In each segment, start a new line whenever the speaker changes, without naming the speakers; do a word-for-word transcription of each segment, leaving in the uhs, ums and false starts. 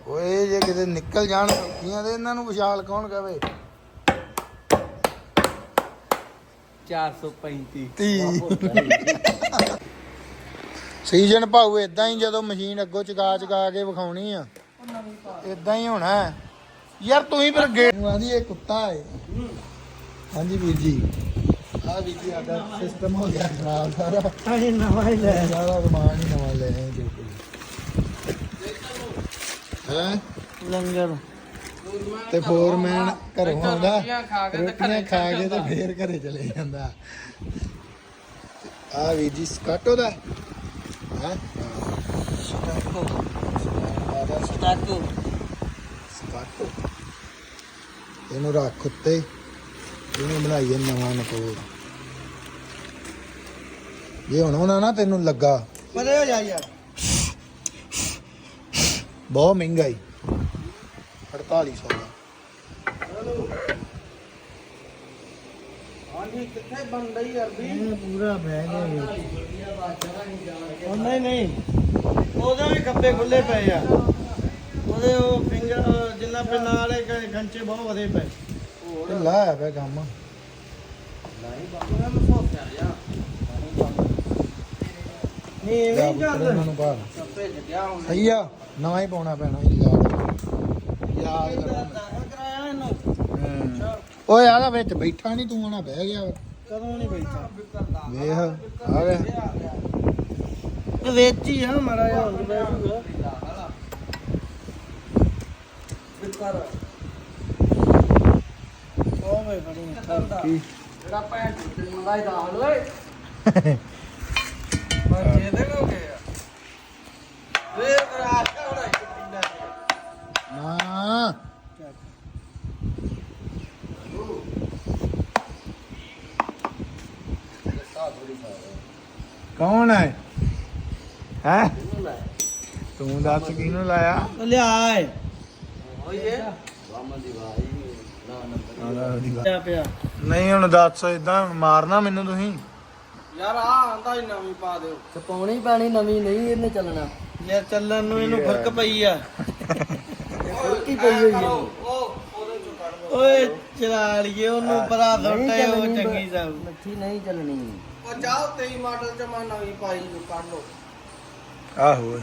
ਓਏ ਜੇ ਕਿਤੇ ਨਿਕਲ ਜਾਣ ਸੌਖੀਆਂ ਤੇ ਇਹਨਾਂ ਨੂੰ ਵਿਸ਼ਾਲ ਕੌਣ ਕਵੇ।
ਚਾਰ ਸੌ ਪੈਂਤੀ
ਸੀਜ਼ਨ ਭਾਊ ਇਦਾਂ ਹੀ ਜਦੋਂ ਮਸ਼ੀਨ ਅੱਗੋਂ ਚਗਾ ਚਗਾ ਕੇ ਵਿਖਾਉਣੀ ਆ ਇਦਾਂ ਹੀ ਹੋਣਾ ਯਾਰ। ਤੂੰ ਹੀ ਫਿਰ ਗੇਟ ਨੂੰ ਆਂਦੀ ਇਹ ਕੁੱਤਾ ਹੈ। ਹਾਂਜੀ ਵੀਰ ਜੀ ਆ ਵੀਰ ਜੀ ਸਾਡਾ ਸਿਸਟਮ ਹੋ ਗਿਆ ਖਰਾਬ ਸਾਰਾ।
ਅਸੀਂ ਨਵਾਂ ਹੀ ਲੈ
ਸਾਰਾ ਸਮਾਨ ਹੀ ਨਵਾਂ ਲੈ ਆਏ ਜੋ ਹੈ
ਲੰਗਰ
ਤੇ ਫੋਰਮੈਨ ਘਰੋਂ ਆਉਂਦਾ ਰੋਟੀਆਂ ਖਾ ਕੇ ਤੇ ਫੇਰ ਘਰੇ ਚਲੇ ਜਾਂਦਾ। ਆ ਵੀਰ ਜੀ ਸਕਾਟੋ ਦਾ ਹੈ
ਸਟਾਕੋ ਸਟਾਕੋ
ਸਕਾਟੋ ਇਹਨੂੰ ਰੱਖ ਉੱਤੇ ਇਹਨੂੰ ਬਣਾਈਏ ਨਵਾਂ ਨਕੋਰ। ਜੇ ਹੁਣ ਹੋਣਾ ਨਾ ਤੈਨੂੰ ਲੱਗਾ
ਪਰੇ ਹੋ ਜਾ ਯਾਰ।
ਬਹੁਤ ਮਹਿੰਗਾ ਹੀ ਅੜਤਾਲੀ ਸੌ ਦਾ।
ਹਾਂਜੀ ਕਿੱਥੇ ਬੰਦਾ ਹੀ ਅਰਬੀ ਪੂਰਾ ਬਹਿ ਗਿਆ ਉਹ ਨਹੀਂ ਨਹੀਂ ਉਹਦੇ ਵੀ ਖੱਬੇ ਖੁੱਲੇ ਪਏ ਆ। ਉਹਦੇ ਉਹ ਫਿੰਗਰ ਜਿੰਨਾ ਪੇ ਨਾਲੇ ਗੰਚੇ ਬਹੁਤ ਵਧੇ ਪਏ।
ਢਿੱਲਾ ਹੋਇਆ ਪਿਆ ਕੰਮ।
ਨਹੀਂ ਇਹ ਨਹੀਂ ਚੱਲਦਾ।
ਇਹਨਾਂ ਨੂੰ ਬਾਹਰ
ਕੱਪੇ ਲੱਗਿਆ ਹੁਣ
ਸਹੀ ਆ ਨਵਾਂ ਹੀ ਪਾਉਣਾ ਪੈਣਾ ਯਾਦ ਯਾਦ ਕਰਨਾ।
ਦਾਖਲ ਕਰਾਇਆ ਇਹਨੂੰ।
ਹੂੰ ਓਏ ਆਲਾ ਵਿੱਚ ਬੈਠਾ ਨਹੀਂ ਤੂੰ ਆਣਾ ਬਹਿ ਗਿਆ
ਕਦੋਂ ਨਹੀਂ ਬੈਠਾ
ਵੇਖ ਆ ਗਿਆ
ਇਹ ਵਿੱਚ ਹੀ ਆ ਮਾੜਾ ਜਿਹਾ ਹੁਣ ਬੈਠੂਗਾ। ਉਹ ਵੇ ਬੜੀ
ਕੀ
ਜਿਹੜਾ ਭੈਣ ਤੇ ਮੰਗਾਈ ਦਾ ਹਲ ਓਏ ਪਰ ਜੇ ਦੇ ਲੋਗੇ ਆ ਵੇ ਕਰਾ ਹੋਣਾ ਪਿੰਡਾ
ਨਾ ਕੌਣ ਹੈ ਹੈ ਤੂੰ ਦੱਸ ਕਿਹਨੂੰ ਲਾਇਆ
ਲਿਆ ਏ ਓਏ ਵਾਮਨ ਦੀ ਭਾਈ ਨਾ ਨੰਬਰ ਪਿਆ।
ਨਹੀਂ ਹੁਣ ਦੱਸ ਇਦਾਂ ਮਾਰਨਾ ਮੈਨੂੰ ਤੁਸੀਂ।
ਯਾਰ ਆ ਆਂਦਾ ਹੀ ਨਵੀਂ ਪਾ ਦਿਓ ਤੇ ਪਾਉਣੀ ਪੈਣੀ ਨਵੀਂ ਨਹੀਂ ਇਹਨੇ ਚੱਲਣਾ ਯਾਰ ਚੱਲਣ ਨੂੰ ਇਹਨੂੰ ਫਰਕ ਪਈ ਆ ਫਰਕ ਹੀ ਪਈ ਹੋਈ ਹੈ। ਓਏ ਚਲਾ ਲਈਏ ਉਹਨੂੰ ਪਰਾ ਸੁੱਟੇ ਉਹ ਚੰਗੀ ਸਭ ਮੱਠੀ ਨਹੀਂ ਚੱਲਣੀ। ਉਹ ਜਾਓ ਤੇਈ ਮਾਡਲ ਚ ਮੈਂ ਨਵੀਂ ਪਾਈ ਕੱਢ ਲੋ।
ਆਹੋ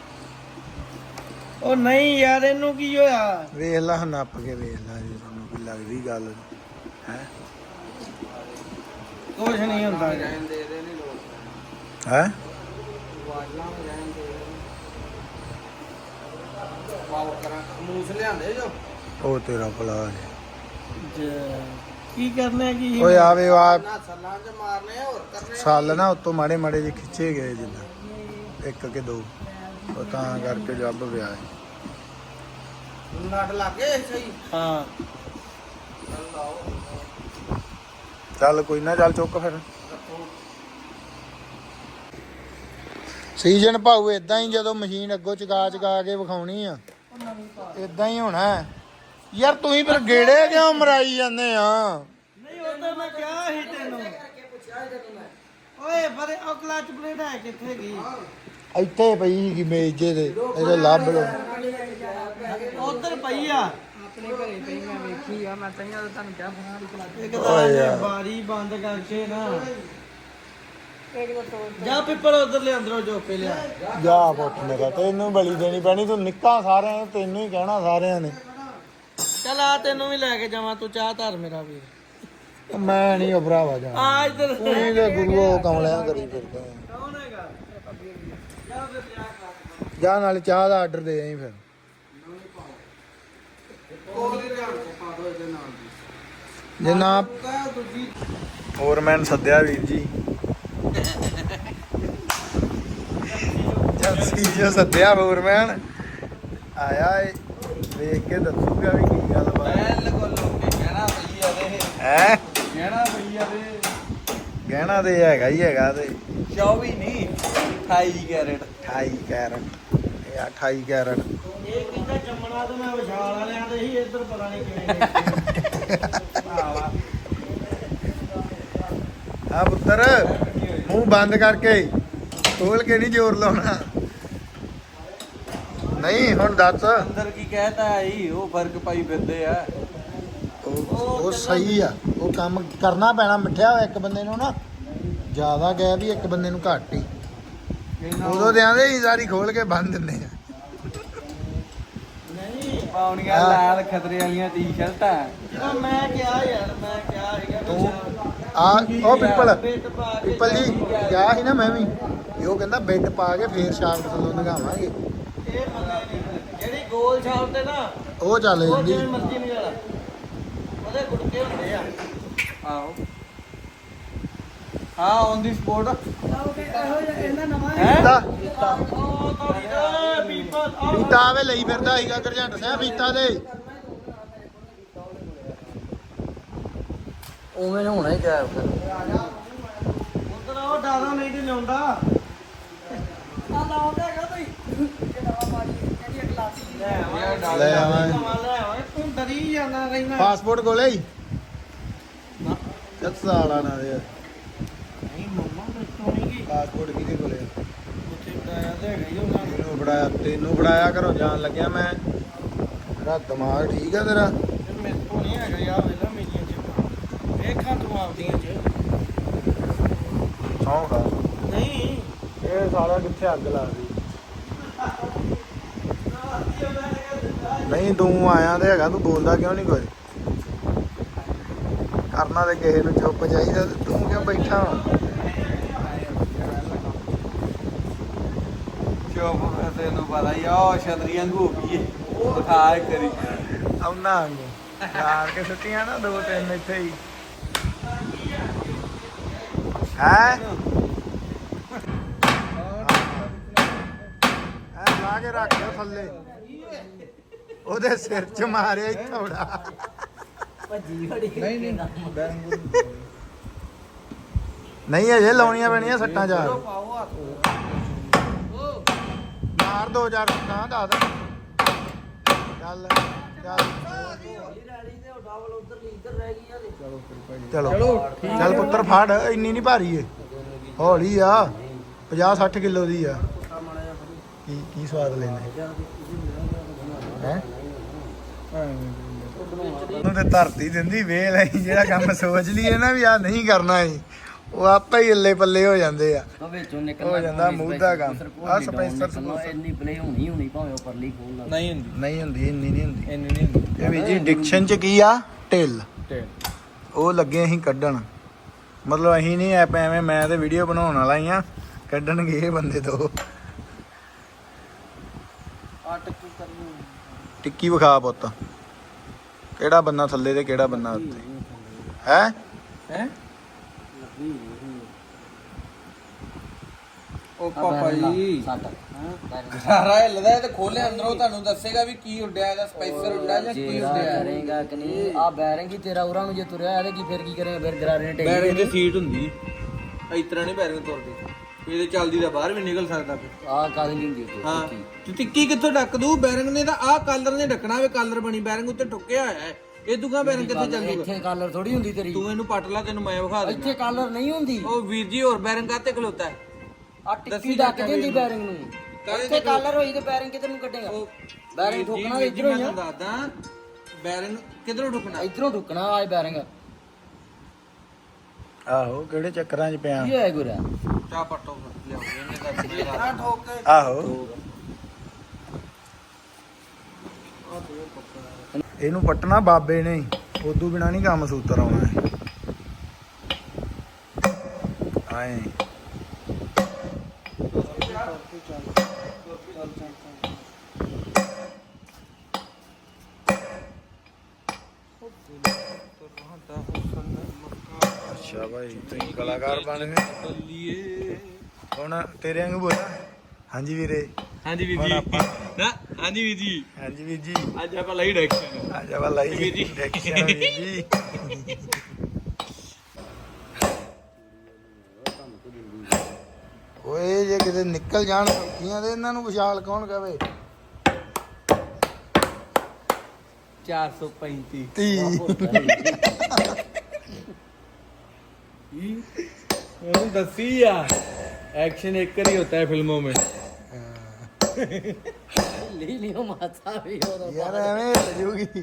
ਉਹ ਨਹੀਂ ਯਾਰ ਇਹਨੂੰ ਕੀ ਹੋਇਆ
ਵੇਖ ਲਾ ਨੱਪ ਕੇ ਵੇਖ ਲਾ ਜੇ ਤੁਹਾਨੂੰ ਕੋਈ ਲੱਗਦੀ ਗੱਲ ਹੈ।
ਕੁਛ ਨਹੀਂ ਹੁੰਦਾ
ਹੈ ਉਹ ਤੇਰਾ ਭਲਾ ਹੈ।
ਕੀ ਕਰਨਾ ਕੀ
ਓਏ ਆਵੇ ਆ
ਸੱਲਾਂ ਚ ਮਾਰਨੇ ਹੋਰ ਕਰਨੇ
ਸਾਲ ਨਾ ਉਤੋਂ ਮਾੜੇ ਮਾੜੇ ਜਿਹੇ ਖਿੱਚੇ ਗਏ ਜਿੱਦਾਂ ਇੱਕ ਕਿ ਦੋ ਉਹ ਤਾਂ ਕਰਕੇ ਜੱਬ ਪਿਆ ਹੈ।
ਨਟ ਲੱਗੇ ਸਹੀ ਹਾਂ
ਚੱਲ ਕੋਈ ਨਾ ਚੱਲ ਚੁੱਕ ਫਿਰ। ਸੀਜ਼ਨ ਭਾਊ ਇਦਾਂ ਹੀ ਜਦੋਂ ਮਸ਼ੀਨ ਅੱਗੋਂ ਚਗਾ ਚਗਾ ਕੇ ਵਿਖਾਉਣੀ ਆ ਇਦਾਂ ਹੀ ਹੋਣਾ ਯਾਰ। ਤੂੰ ਹੀ ਫਿਰ ਗੇੜੇ ਕਿਉਂ ਮਰਾਈ ਜਾਂਦੇ ਆ।
ਨਹੀਂ ਉਹ ਤਾਂ ਮੈਂ ਕਿਹਾ ਸੀ ਤੈਨੂੰ ਓਏ ਪਰ ਉਹ ਕਲਚ ਪਲੇਟ ਹੈ ਕਿੱਥੇ ਗਈ
ਇੱਥੇ ਪਈ ਸੀਗੀ ਮੇਜ਼ ਜੇ ਤੇ ਇਹਦੇ ਲੱਭ ਲੋ
ਉਧਰ ਪਈ ਆ
ਆਪਣੇ ਘਰੇ ਪਈ ਮੈਂ ਵੇਖੀ ਆ ਮੈਂ ਤਾਂ ਤੁਹਾਨੂੰ ਕਿਹਾ ਬਣਾ ਦੀ ਕਲਾ
ਇੱਕ ਤਾਂ ਬਾਰੀ ਬੰਦ ਕਰਕੇ ਨਾ
ਇੱਕ ਦਾ ਤੋੜ
ਜਾ ਪਿੱਪਲ ਉਧਰ ਲੈ ਅੰਦਰੋਂ ਜੋਪੇ ਲਿਆ
ਜਾ ਪੁੱਤ ਮੇਰਾ ਤੈਨੂੰ ਬਲੀ ਦੇਣੀ ਪੈਣੀ। ਤੂੰ ਨਿੱਕਾ ਸਾਰਿਆਂ ਨੇ ਤੈਨੂੰ ਹੀ ਕਹਿਣਾ ਸਾਰਿਆਂ ਨੇ।
ਚੱਲ ਆ ਤੈਨੂੰ ਵੀ ਲੈ ਕੇ ਜਾਵਾਂ ਤੂੰ ਚਾਹ ਧਰ ਮੇਰਾ ਵੀਰ।
ਮੈਂ ਨਹੀਂ ਭਰਾਵਾ ਜਾ
ਆ ਇੱਧਰ
ਤੂੰ ਹੀ ਤੇ ਗੁਰੂ ਕਮਲਿਆਂ ਕਰੀ ਫਿਰਦਾ
ਕੌਣ ਹੈਗਾ ਜਾ ਫਿਰ ਲਿਆ ਕਰ
ਜਾ ਨਾਲ ਚਾਹ ਦਾ ਆਰਡਰ ਦੇ ਆਈ ਫਿਰ।
ਉਹ ਦੇ ਧਿਆਨ ਕੋ ਪਾ ਦੋ ਇਹਦੇ ਨਾਲ ਦੀ
ਜੇ ਨਾ
ਕਾ ਦੂਜੀ
ਹੋਰ ਮੈਂ ਸੱਦਿਆ ਵੀਰ ਜੀ ਜਲਸੀ ਜੋ ਸੱਦਿਆ ਫੋਰਮੈਨ ਆਇਆ ਏ ਵੇਖ ਕੇ ਦੱਸੂਗਾ ਵੀ ਕੀ ਗੱਲ ਬਾਤ
ਐਲ ਕੋ ਲੋਕੇ ਕਹਿਣਾ ਪਈ ਆ ਦੇ
ਹੈ।
ਕਹਿਣਾ ਪਈ ਆ ਦੇ
ਗਹਿਣਾ ਤੇ ਹੈਗਾ ਹੀ ਹੈਗਾ ਤੇ
ਚੌਵੀ ਨਹੀਂ ਅਠਾਈ ਕੈਰਟ
ਅਠਾਈ ਕੈਰਟ ਇਹ ਅਠਾਈ ਕੈਰਟ
ਇਹ ਕਿੰਨਾ ਜੰਮਣਾ ਤੇ ਮੈਂ ਵਿਸ਼ਾਲ ਵਾਲਿਆਂ ਦੇ ਹੀ ਇੱਧਰ ਪਤਾ ਨਹੀਂ ਕਿਵੇਂ ਆਵਾ
ਆ ਪੁੱਤਰ ਮੂੰਹ ਬੰਦ ਕਰਕੇ ਖੋਲ ਕੇ ਨਹੀਂ ਜ਼ੋਰ ਲਾਉਣਾ ਨਹੀਂ ਹੁਣ ਦੱਸ
ਅੰਦਰ ਕੀ ਕਹਿਤਾ ਆਈ ਉਹ ਫਰਕ ਪਾਈ ਫਿਰਦੇ ਆ
ਉਹ ਉਹ ਸਹੀ ਆ ਉਹ ਕੰਮ ਕਰਨਾ ਪੈਣਾ ਮਿੱਠਿਆ ਹੋਇਆ ਇੱਕ ਬੰਦੇ ਨੂੰ ਨਾ ਜ਼ਿਆਦਾ ਗਿਆ ਵੀ ਇੱਕ ਬੰਦੇ ਨੂੰ ਘੱਟ ਹੀ ਉਦੋਂ ਦੇ ਆਂਦੇ ਹੀ ਸਾਰੀ ਖੋਲ ਕੇ ਬੰਨ ਦਿੰਦੇ ਆ
ਨਹੀਂ ਪਾਉਣੀਆਂ ਲਾਲ ਖਤਰੇ ਵਾਲੀਆਂ ਟੀ-ਸ਼ਰਟਾਂ ਜਦੋਂ ਮੈਂ ਕਿਹਾ ਯਾਰ ਮੈਂ ਕਿਹਾ ਸੀਗਾ
ਤੂੰ ਆ ਉਹ ਪਿੱਪਲ ਪਿੱਪਲ ਜੀ ਗਿਆ ਸੀ ਨਾ ਮੈਂ ਵੀ ਇਹ ਉਹ ਕਹਿੰਦਾ ਬੈੱਡ ਪਾ ਕੇ ਫੇਰ ਸ਼ਾਮ ਥੱਲੋਂ ਨਗਾਵਾਂਗੇ
ਇਹ ਮੰਨੇ ਨਹੀਂ ਜਿਹੜੀ ਗੋਲ ਛਾਪ ਤੇ ਨਾ
ਉਹ ਚੱਲ
ਉਹ
ਜਾਂਦੀ
ਜਿਵੇਂ ਮਰਜ਼ੀ ਨਹੀਂ ਵਾਲਾ ਉਹਦੇ ਗੁਟਕੇ ਹੁੰਦੇ ਆ ਆਹੋ ਹਾਂ ਔਨ ਦੀ ਸਪੋਟ
ਇਹਨਾਂ ਨਵਾਂ
ਪੀਤਾ
ਉਹ ਤੋੜੀ ਦਾ ਪੀਪਲ
ਪੀਤਾ ਆਵੇ ਲਈ ਫਿਰਦਾ ਸੀਗਾ ਗਰਜੰਟ ਸਿੰਘ ਪੀਤਾ ਦੇ
ਉਵੇਂ ਨੂੰ ਹੋਣਾ ਹੀ ਗਾਇਬ ਕਰ ਉਧਰ ਉਹ ਡਾਦਾ ਨਹੀਂ ਤੇ ਲਿਆਉਂਦਾ
ਆ ਲਾਉਂਦਾ ਹੈਗਾ ਬਈ ਇਹ ਨਵਾਂ ਪਾਣੀ ਇਹਦੀ ਗਲਾਸੀ
ਲੈ ਆਵਾਂਗੇ
ਲੈ ਆਵਾਂਗੇ।
ਲੈ ਆਵਾਂਗੇ ਤੂੰ ਡਰੀ ਜਾਂਦਾ ਰਹਿਣਾ
ਪਾਸਪੋਰਟ ਕੋਲੇ ਹੀ ਚੱਲ ਸਾਲਾ ਨਾ ਦੇ
ਨਹੀਂ ਮੰਮਾ ਦੱਸੋ ਨਹੀਂ ਕੀ
ਪਾਸਪੋਰਟ ਕਿਹਦੇ ਕੋਲੇ ਆ?
ਉੱਥੇ ਬਣਾਇਆ ਤੇ ਹੈਗਾ ਹੀ ਉਹਨਾਂ ਨੇ
ਤੈਨੂੰ ਫੜਾਇਆ ਤੈਨੂੰ ਫੜਾਇਆ ਘਰੋਂ ਜਾਣ ਲੱਗਿਆ ਮੈਂ ਤੇਰਾ ਦਿਮਾਗ ਠੀਕ ਆ ਤੇਰਾ
ਤੇ ਮੇਰੇ ਤੋਂ ਨਹੀਂ ਹੈਗਾ ਯਾਰ ਵੇਲਾ ਮੇਰੀਆਂ ਚ ਵੇਖਾਂ ਤੂੰ ਆਪਦੀਆਂ ਚ
ਸੌਂ ਖਾ
ਨਹੀਂ
ਇਹ ਸਾਲਾ ਕਿੱਥੇ ਅੱਗ ਲਾ ਦੀ ਨਹੀਂ ਤੂੰ ਆਇਆ ਤੇ ਹੈਗਾ ਤੂੰ ਬੋਲਦਾ ਕਿਉਂ ਨਹੀਂ ਕੁਝ ਕਰਨਾ ਤੇ ਕਿਸੇ ਨੂੰ ਚੁੱਪ ਚਾਹੀਦਾ ਤੇ ਤੂੰ ਕਿਉਂ ਬੈਠਾ ਵਾ
ਚੁੱਪ ਤੈਨੂੰ ਪਤਾ ਹੀ ਆ ਉਹ ਛਤਰੀਆਂ ਨੂੰ ਹੋ ਗਈ ਏ ਦਿਖਾ ਇੱਕ ਕਰੀ
ਆਉਣਾ ਆਂਗੇ ਯਾਰ ਕੇ ਸੁੱਟੀਆਂ ਨਾ ਦੋ ਤਿੰਨ ਇੱਥੇ ਹੀ ਹੈ ਐ ਲਾ ਕੇ ਰੱਖ ਦਿਓ ਥੱਲੇ ਉਹਦੇ ਸਿਰ 'ਚ ਮਾਰਿਆ ਹੀ ਥੋੜਾ
ਭੱਜੀ ਖੜੀ
ਨਹੀਂ ਨਹੀਂ
ਨਹੀਂ ਅਜੇ ਲਾਉਣੀਆਂ ਪੈਣੀਆਂ ਸੱਟਾਂ ਚਾਰ
ਪਾਓ ਹੱਥ
ਮਾਰ ਦੋ ਚਾਰ ਸੱਟਾਂ ਦੱਸ ਚੱਲ ਚੱਲ ਚਲੋ ਚੱਲ ਪੁੱਤਰ ਫੜ ਇੰਨੀ ਨਹੀਂ ਭਾਰੀ ਏ ਹੌਲੀ ਆ ਪੰਜਾਹ ਸੱਠ ਕਿਲੋ ਦੀ ਆ ਕੀ ਕੀ ਸਵਾਦ ਲੈਂਦੇ ਹੈ ਉਹਨੂੰ ਤੇ ਧਰਤੀ ਦਿੰਦੀ ਵੇਲ ਐ ਜਿਹੜਾ ਕੰਮ ਸੋਚ ਲਈਏ ਨਾ ਵੀ ਆ ਨਹੀਂ ਕਰਨਾ ਏ ਉਹ ਆਪੇ ਹੀ ਅੱਲੇ ਪੱਲੇ ਹੋ ਜਾਂਦੇ ਆ
ਉਹ ਵਿੱਚੋਂ ਨਿਕਲਣਾ
ਹੋ ਜਾਂਦਾ ਮੂੰਹ ਦਾ ਕੰਮ ਆ ਸਪੈਂਸਰ
ਇੰਨੀ ਪਲੇ ਹੋਣੀ ਹੋਣੀ ਭਾਵੇਂ ਉਹ ਪਰਲੀ ਖੋਲ ਲਾ
ਨਹੀਂ ਹੁੰਦੀ
ਨਹੀਂ ਹੁੰਦੀ ਇੰਨੀ ਨਹੀਂ ਹੁੰਦੀ
ਇੰਨੀ ਨਹੀਂ ਹੁੰਦੀ
ਇਹ ਵੀ ਜੀ ਡਿਕਸ਼ਨ ਚ ਕੀ ਆ ਢਿੱਲ
ਤੇ
ਉਹ ਲੱਗੇ ਅਸੀਂ ਕੱਢਣ ਮਤਲਬ ਅਸੀਂ ਨਹੀਂ ਐ ਐਵੇਂ ਮੈਂ ਤੇ ਵੀਡੀਓ ਬਣਾਉਣ ਵਾਲਾ ਹੀ ਆ ਕੱਢਣਗੇ ਇਹ ਬੰਦੇ ਤੋਂ
ਆ ਟੱਕੀ ਕਰਨੀ
ਟਿੱਕੀ ਵਿਖਾ ਪੁੱਤ ਕਿਹੜਾ ਬੰਨਾ ਥੱਲੇ ਤੇ ਕਿਹੜਾ ਬੰਨਾ ਉੱਤੇ ਹੈ
ਹੈ ਉਹ ਪਾਪਾ ਜੀ
ਸੱਟ
ਸਾਰਾ ਹਿੱਲਦਾ ਤੇ ਖੋਲੇ ਅੰਦਰੋਂ ਤੁਹਾਨੂੰ ਦੱਸੇਗਾ ਵੀ ਕੀ ਉੱਡਿਆ ਇਹਦਾ ਸਪਾਈਸਰ ਉੱਡਿਆ ਜਾਂ ਕੀ
ਜਿਹੜਾ
ਉੱਡਿਆ
ਕਰੇਗਾ ਕਿ ਨਹੀਂ ਆ ਬੈਰਿੰਗ ਹੀ ਤੇਰਾ ਉਰਾਂ ਨੂੰ ਜੇ ਤੁਰਿਆ ਇਹਦੇ ਕੀ ਫਿਰ ਕੀ ਕਰੇਗਾ ਫਿਰ ਗਰਾਰੇ ਨੇ ਟੇਕ
ਬੈਰਿੰਗ ਦੀ ਸੀਟ ਹੁੰਦੀ ਇਸ ਤਰ੍ਹਾਂ ਨਹੀਂ ਬੈਰਿੰਗ ਤੁਰਦੀ ਇਹਦੇ ਚੱਲਦੀ ਤਾਂ ਬਾਹਰ ਵੀ ਨਿਕਲ ਸਕਦਾ ਫਿਰ
ਆ ਕਾਹਦੀ ਨਹੀਂ ਹੁੰਦੀ ਉੱਤੇ
ਹਾਂ ਤੇ ਟਿੱਕੀ ਕਿੱਥੋਂ ਢੱਕ ਦੂ ਬੈਰਿੰਗ ਨੇ ਤਾਂ ਆਹ ਕਲਰ ਨੇ ਢੱਕਣਾ ਵੇ ਕਲਰ ਬਣੀ ਬੈਰਿੰਗ ਉੱਤੇ ਠੁੱਕਿਆ ਹੋਇਆ ਹੈ ਇਹ ਦੂਗਾ ਬੈਰਿੰਗ ਕਿੱਥੇ ਚੱਲ ਜੂਗਾ
ਇੱਥੇ ਕਾਲਰ ਥੋੜੀ ਹੁੰਦੀ ਤੇਰੀ
ਤੂੰ ਇਹਨੂੰ ਪੱਟ ਲਾ ਤੈਨੂੰ ਮੈਂ ਵਿਖਾ
ਇੱਥੇ ਕਾਲਰ ਨਹੀਂ ਹੁੰਦੀ
ਉਹ ਵੀਰ ਜੀ ਹੋਰ ਬੈਰਿੰਗ ਕਾਤੇ ਖਲੋਤਾ ਹੈ
ਆ ਟਿੱਕੀ ਢੱਕ ਦਿੰਦੀ ਬੈਰਿੰਗ ਨੂੰ ਇੱਥੇ ਕਾਲਰ ਹੋਈ ਤੇ ਬੈਰਿੰਗ ਕਿੱਧਰ ਨੂੰ ਕੱਢੇਗਾ ਬੈਰਿੰਗ ਠੋਕਣਾ ਤੇ ਇਧਰੋਂ ਹੀ ਆ
ਦੱਸਦਾ ਬੈਰਿੰਗ ਕਿੱਧਰੋਂ ਠੁਕਣਾ
ਇਧਰੋਂ ਠੁਕਣਾ ਆ ਬੈਰਿੰਗ
ਆਹੋ ਕਿਹੜੇ ਚੱਕਰਾਂ 'ਚ ਪਿਆ
ਕੀ ਹੋਇਆ ਗੁਰਾ
ਚਾਹ ਪੱਟੋ ਲਿਆਓ ਇਹਨੇ ਤਾਂ ਠੋਕ ਕੇ
ਆਹੋ ਇਹਨੂੰ ਪੱਟਣਾ ਬਾਬੇ ਨੇ ਉਦੋਂ ਬਿਨਾ ਨਹੀਂ ਕੰਮ ਸੂਤਰ ਆਉਣਾ ਹੈ ਆਏ ਅੱਛਾ ਭਾਈ ਤੁਸੀਂ ਕਲਾਕਾਰ ਬਣ ਗਏ ਹੁਣ ਤੇਰੇ ਵਾਂਗੂ ਬੋਲਾਂ ਹਾਂਜੀ ਵੀਰੇ
ਹਾਂਜੀ ਵੀਰ
ਹੁਣ
ਜੀ
ਆਪਾਂ
ਨਾ ਹਾਂਜੀ ਵੀਰ ਜੀ
ਹਾਂਜੀ ਵੀਰ ਜੀ
ਅੱਜ ਆਪਾਂ ਲਈ ਡਾਇਰੈਕਸ਼ਨ
ਆ ਜਾ ਵਾਲਾ
ਵੀਰ ਜੀ।
ਡੈਕਸ਼ਨ ਵੀਰ ਜੀ ਓਏ ਜੇ ਕਿਤੇ ਨਿਕਲ ਜਾਣ ਸੌਖੀਆਂ ਤੇ ਇਹਨਾਂ ਨੂੰ ਵਿਸ਼ਾਲ ਕੌਣ ਕਵੇ
ਚਾਰ ਸੌ ਪੈਂਤੀ
ਤੀ
ਉਹਨੂੰ ਦੱਸੀ ਆ एक्शन एक ही होता है फिल्मों में
ਹਿੱਲੀ ਨਹੀਂ ਉਹ ਮਾਸਾ ਵੀ ਉਦੋਂ
ਯਾਰ ਐਵੇਂ ਹਿੱਲ ਜੂਗੀ।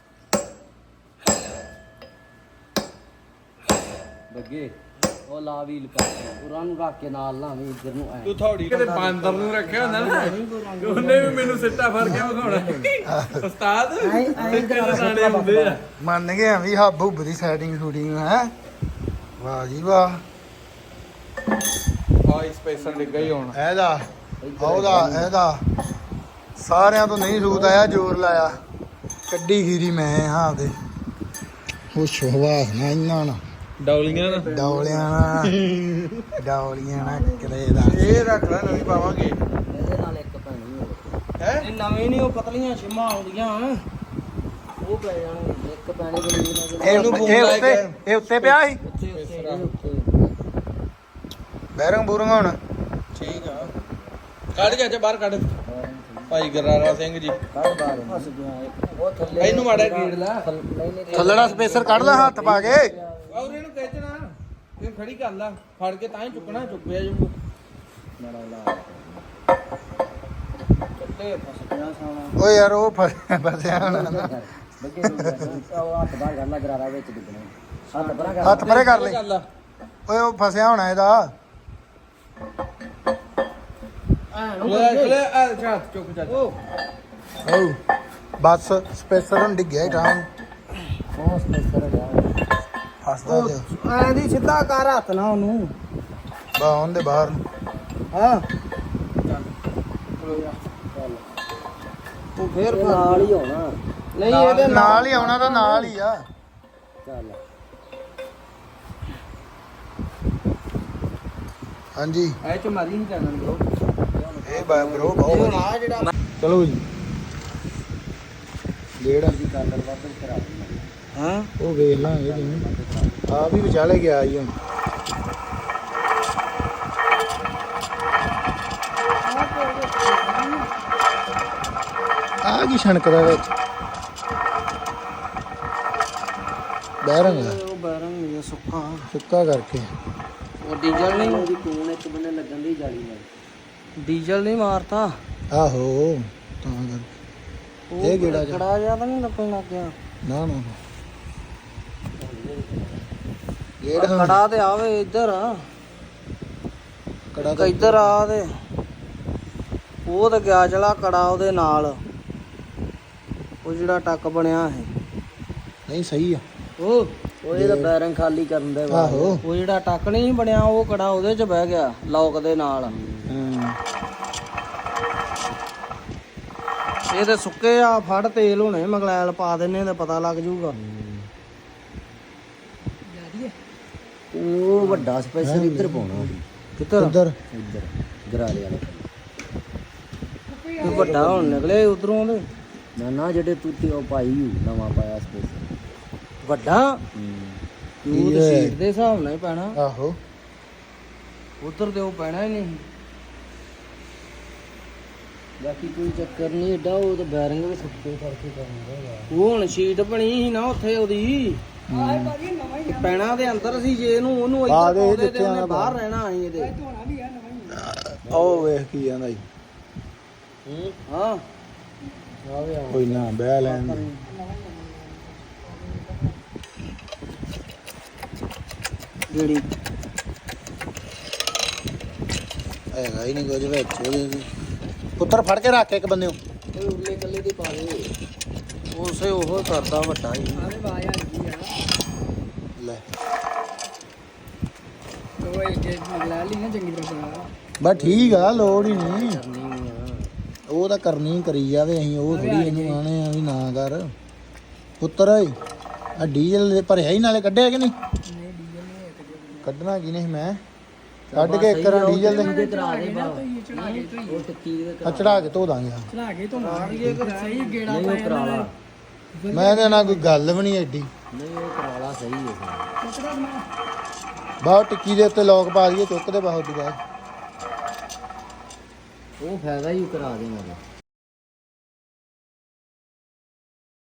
ਬੱਗੇ ਉਹ ਲਾ ਵੀਲ ਪਾ ਉਹਨਾਂ ਨੂੰ ਰੱਖ ਕੇ ਨਾਲ ਲਾਵੀਂ ਇੱਧਰ ਨੂੰ ਐ
ਤੂੰ ਥੋੜੀ ਕਿਤੇ ਬਾਂਦਰ ਨੂੰ ਰੱਖਿਆ ਹੁੰਦਾ ਨਾ ਉਹਨੇ ਵੀ ਮੈਨੂੰ ਸਿੱਟਾ ਫੜ ਕੇ ਵਿਖਾਉਣਾ ਉਸਤਾਦ ਕਿਹੜੇ ਦਾਣੇ ਹੁੰਦੇ ਆ।
ਮੰਨ ਗਏ ਆ ਵੀ ਹੱਬ ਹੁੱਬ ਦੀ ਸੈਟਿੰਗ ਸ਼ੂਟਿੰਗ ਹੈ। ਵਾਹ ਜੀ ਵਾਹ।
ਆਈ ਸਪੇਸਰ ਡਿੱਗਾ ਹੀ ਹੁਣ
ਇਹਦਾ ਉਹਦਾ ਇਹਦਾ ਸਾਰਿਆਂ ਤੋਂ ਨਹੀਂ ਸੂਤ ਆਇਆ, ਜ਼ੋਰ ਲਾਇਆ, ਕੱਢੀ ਖੀਰੀ ਮੈਂ ਹਾਂ ਦੇ ਖੁਸ਼ ਹਵਾਸ ਨਾ ਇਹਨਾਂ ਨਾ
ਡੌਲੀਆਂ ਨਾ
ਡੌਲਿਆਂ ਨਾ ਡੌਲੀਆਂ ਨਾ ਕਿਤੇ ਦਾ
ਇਹ ਰੱਖ ਲੈ ਨਵੀਂ ਪਾਵਾਂਗੇ
ਇਹਦੇ ਨਾਲ ਇੱਕ ਪੈਣੀ ਹੋਵੇ
ਹੈ।
ਇਹ ਨਵੇਂ ਨਹੀਂ ਉਹ ਪਤਲੀਆਂ ਛਿਮਾਂ ਆਉਂਦੀਆਂ
ਉਹ ਪੈ ਜਾਣਗੇ ਇੱਕ ਪੈਣੀ ਬਣੀ ਨਾ
ਇਹ ਇਹ ਉੱਤੇ ਇਹ ਉੱਤੇ ਪਿਆ ਸੀ
ਉੱਤੇ ਉੱਤੇ ਉੱਤੇ
ਬੈਰੰਗ ਬੂਰੰਗ ਹੁਣ
ਠੀਕ ਆ ਕੱਢ ਕੇ ਅੱਜ ਬਾਹਰ ਕੱਢ ਭਾਈ ਗਰਾਰਾ ਸਿੰਘ ਜੀ
ਕੱਢ ਬਾਹਰ ਫਸ ਗਿਆ ਇੱਕ। ਉਹ ਥੱਲੇ
ਇਹਨੂੰ ਮਾੜਾ ਗੇੜ ਲਾ
ਨਹੀਂ ਨਹੀਂ
ਥੱਲੜਾ ਸਪੇਸਰ ਕੱਢ ਲੈ ਹੱਥ ਪਾ ਕੇ।
ਔਰ ਇਹਨੂੰ ਖਿੱਚਣਾ ਇਹ ਖੜੀ ਕਰ ਲਾ ਫੜ ਕੇ ਤਾਂ ਹੀ ਚੁੱਕਣਾ ਚੁੱਕਿਆ ਜੂ
ਮਾੜਾ ਲਾ
ਕੱਟੇ ਫਸ ਗਿਆ ਸਾਲਾ।
ਓਏ ਯਾਰ ਉਹ ਫਸ- ਫਸਿਆ ਹੋਣਾ ਨਾ।
ਬੱਗੇ ਉਹ ਹੱਥ ਬਾਹਰ ਕਰ ਲਾ ਗਰਾਰਾ ਵਿੱਚ ਡਿੱਗਣਾ ਹੱਥ ਪਰਾਂ ਕਰ
ਹੱਥ ਪਰੇ ਕਰ ਲੈ।
ਕਰ ਲਾ
ਓਏ ਉਹ ਫਸਿਆ ਹੋਣਾ ਇਹਦਾ।
ਲੈ ਲੈ ਆ ਹੱਥ ਚੁੱਕ ਚੱਲ
ਓ ਬਸ ਸਪੇਸਰ ਹੁਣ ਡਿੱਗਿਆ ਟਾਂ
ਉਹ ਸਪੇਸਰ ਗਿਆ
ਫਸਦਾ ਤੇ
ਐਂ ਦੀ ਸਿੱਧਾ ਕਰ ਹੱਥ ਨਾ ਉਹਨੂੰ।
ਬਾ ਉਹਦੇ ਬਾਹਰ ਨੂੰ।
ਹਾਂ ਤੂੰ ਫੇਰ
ਇਹ ਨਾਲ ਹੀ ਹੋਣਾ
ਨਹੀਂ ਇਹਦੇ
ਨਾਲ ਹੀ ਆਉਣਾ ਤਾਂ ਨਾਲ ਹੀ ਆ।
ਚੱਲ
ਹਾਂਜੀ
ਐ ਚ ਮਾਰੀ ਨਹੀਂ ਕਰਨਾ ਬ్రో
ਇਹ ਬਾ ਬ్రో ਬਹੁਤ
ਹੁਣ
ਵਧੀਆ।
ਆ ਜਿਹੜਾ
ਚਲੋ ਜੀ ਡੇਢ
ਦੀ ਕਾਲਰ ਵਾਪਸ ਕਰਾ ਦੇ
ਹਾਂ
ਉਹ ਵੇਖ ਲਾਂਗੇ ਜਿਵੇਂ ਆ ਵੀ ਵਿਚਾਲੇ ਗਿਆ ਜੀ ਹੁਣ। ਆ ਕੀ ਛਣਕਦਾ ਵਿੱਚ ਬੈਰੰਗ ਆ,
ਉਹ ਬੈਰੰਗ ਇਹ ਸੁੱਕਾ
ਸੁੱਕਾ ਕਰਕੇ।
ਉਹ ਡੀਜ਼ਲ ਨਹੀਂ
ਉਹਦੀ ਕੋਣ ਇੱਕ ਬੰਨੇ ਲੱਗਣ ਦੀ ਜਾਲੀ ਨਾਲ
ਡੀਜ਼ਲ ਨਹੀਂ ਮਾਰਤਾ।
ਆਹੋ ਤਾਂ ਕਰਕੇ
ਉਹ
ਇਹ ਕਿਹੜਾ ਜਾ-
ਕੜਾ ਜਿਹਾ ਤਾਂ ਨਹੀਂ ਲੱਗਣ ਲੱਗ ਗਿਆ।
ਨਾ ਨਾ ਜਿਹੜਾ
ਕੜਾ ਤੇ ਆਵੇ ਇੱਧਰ ਆ
ਕੜਾ ਤਾਂ
ਇੱਧਰ ਆ ਤੇ ਉਹ ਤਾਂ ਗਿਆ ਚਲਾ ਕੜਾ ਉਹਦੇ ਨਾਲ ਉਹ ਜਿਹੜਾ ਟੱਕ ਬਣਿਆ ਹੈ
ਨਹੀਂ ਸਹੀ ਆ।
ਉਹ
ਉਹ ਇਹਦਾ ਬੈਰਿੰਗ ਖਾਲੀ ਕਰਨ ਦੇ ਬਾਅਦ
ਆਹੋ
ਉਹ ਜਿਹੜਾ ਟੱਕ ਨਹੀਂ ਬਣਿਆ ਉਹ ਕੜਾ ਉਹਦੇ 'ਚ ਬਹਿ ਗਿਆ ਲੌਕ ਦੇ ਨਾਲ।
ਹਾਂ
ਇਹ ਤੇ ਸੁੱਕੇ ਆ ਫੜ ਤੇਲ ਹੋਣੇ ਮਗਲੈਲ ਪਾ ਦਿੰਨੇ ਤੇ ਪਤਾ ਲੱਗ ਜਾਊਗਾ।
ਉਹ ਵੱਡਾ ਸਪੇਸਰ ਇੱਧਰ ਪਾਉਣਾ
ਕਿੱਧਰ
ਉਧਰ
ਇੱਧਰ ਗਰਾਰੇ ਵਾਲੇ
ਇਹ ਵੱਡਾ ਹੁਣ ਨਿਕਲੇ ਉਧਰੋਂ ਦੇ
ਨਾ ਨਾ ਜਿਹੜੇ ਤੂਤੀ ਉਹ ਪਾਈ ਹੋਈ, ਨਵਾਂ ਪਾਇਆ ਸਪੇਸਰ
ਵੱਡਾ ਉਹ ਤੇ ਸੀਟ ਦੇ ਹਿਸਾਬ ਨਾਲ ਹੀ ਪੈਣਾ
ਆਹੋ
ਉਧਰ ਤੇ ਉਹ ਪੈਣਾ ਹੀ ਨਹੀਂ।
ਬਾਕੀ ਕੋਈ ਚੱਕਰ ਨਹੀਂ ਏਡਾ ਉਹ ਤਾਂ ਬੈਰਿੰਗ ਵੀ ਸੁੱਕੇ ਕਰਕੇ ਕਰਨਾ
ਉਹ ਹੁਣ ਸ਼ੀਟ ਬਣੀ ਸੀ ਨਾ ਉੱਥੇ ਉਹਦੀ ਪੈਣਾ ਦੇ ਅੰਦਰ ਸੀ ਜੇ ਇਹਨੂੰ ਉਹਨੂੰ
ਪਾ
ਇੱਧਰ
ਦੇ
ਪਾਉਂਦੇ ਤੇ
ਜਿੱਥੇ
ਉਹਨੇ
ਆਉਣਾ
ਬਾਹਰ ਰਹਿਣਾ ਸੀ ਇਹਦੇ।
ਉਹ ਵੇਖ ਕੀ ਜਾਂਦਾ ਜੀ।
ਹਾਂ
ਕੋਈ ਨਾ ਬਹਿ ਲੈਣ ਦੇ।
ਜਿਹੜੀ
ਹੈਗਾ ਹੀ ਨਹੀਂ ਕੁਝ ਵਿੱਚ ਉਹਦੇ। ਪੁੱਤਰ ਫੜ ਕੇ ਰੱਖ ਇੱਕ ਬੰਦੇ ਨੂੰ।
ਉਹ ਉਰਲੇ ਕੱਲੇ ਦੀ ਪਾ ਦੇ
ਉਸੇ ਉਹ ਕਰਦਾ ਵੱਡਾ ਹੀ।
ਲੈ
ਉਹ ਜੇ ਲੈ ਲਈ ਨਾ ਚੰਗੀ ਤਰ੍ਹਾਂ
ਬਸ ਠੀਕ ਆ ਲੋੜ ਹੀ ਨਹੀਂ।
ਕਰਨੀ ਆ
ਉਹ ਤਾਂ ਕਰਨੀ ਕਰੀ ਜਾਵੇ ਅਸੀਂ ਉਹ ਥੋੜੀ ਇਹਨੂੰ ਆਣੇ ਆ ਵੀ ਨਾ ਕਰ ਪੁੱਤਰ ਓਏ ਆ ਡੀਜ਼ਲ ਦੇ ਭਰਿਆ ਹੀ ਨਾਲੇ ਕੱਢਿਆ ਕਿ ਨਹੀਂ ਕੱਢਣਾ ਕੀ ਨਹੀਂ ਮੈਂ ਕੱਢ ਕੇ ਇੱਕ ਰਾਂ ਡੀਜ਼ਲ ਦੇ
ਉਹਦੇ ਕਰਾ ਦੇ ਬਾ ਉਹ ਟੱਕੀ ਦੇ
ਆ ਚੜਾ ਕੇ ਧੋ ਦਾਂਗੇ ਹਾਂ।
ਚੜਾ ਕੇ ਤੋਂ ਮਾਰੀਏ ਕਿ ਸਹੀ ਗੇੜਾ
ਨਹੀਂ ਉਹ ਕਰਾ ਲਾ
ਮੈਂ ਇਹਦੇ ਨਾਲ ਕੋਈ ਗੱਲ ਵੀ ਨਹੀਂ ਐਡੀ
ਨਹੀਂ ਉਹ ਕਰਾ ਲਾ ਸਹੀ ਹੈ
ਬਾਹਰ ਟਿੱਕੀ ਦੇ ਉੱਤੇ ਲੋਕ ਪਾ ਦਈਏ ਚੁੱਕ ਦੇ ਬਾਹਰ ਦੀ ਬਾਅਦ
ਉਹ ਫਾਇਦਾ ਹੀ ਕਰਾ ਦੇਣਾ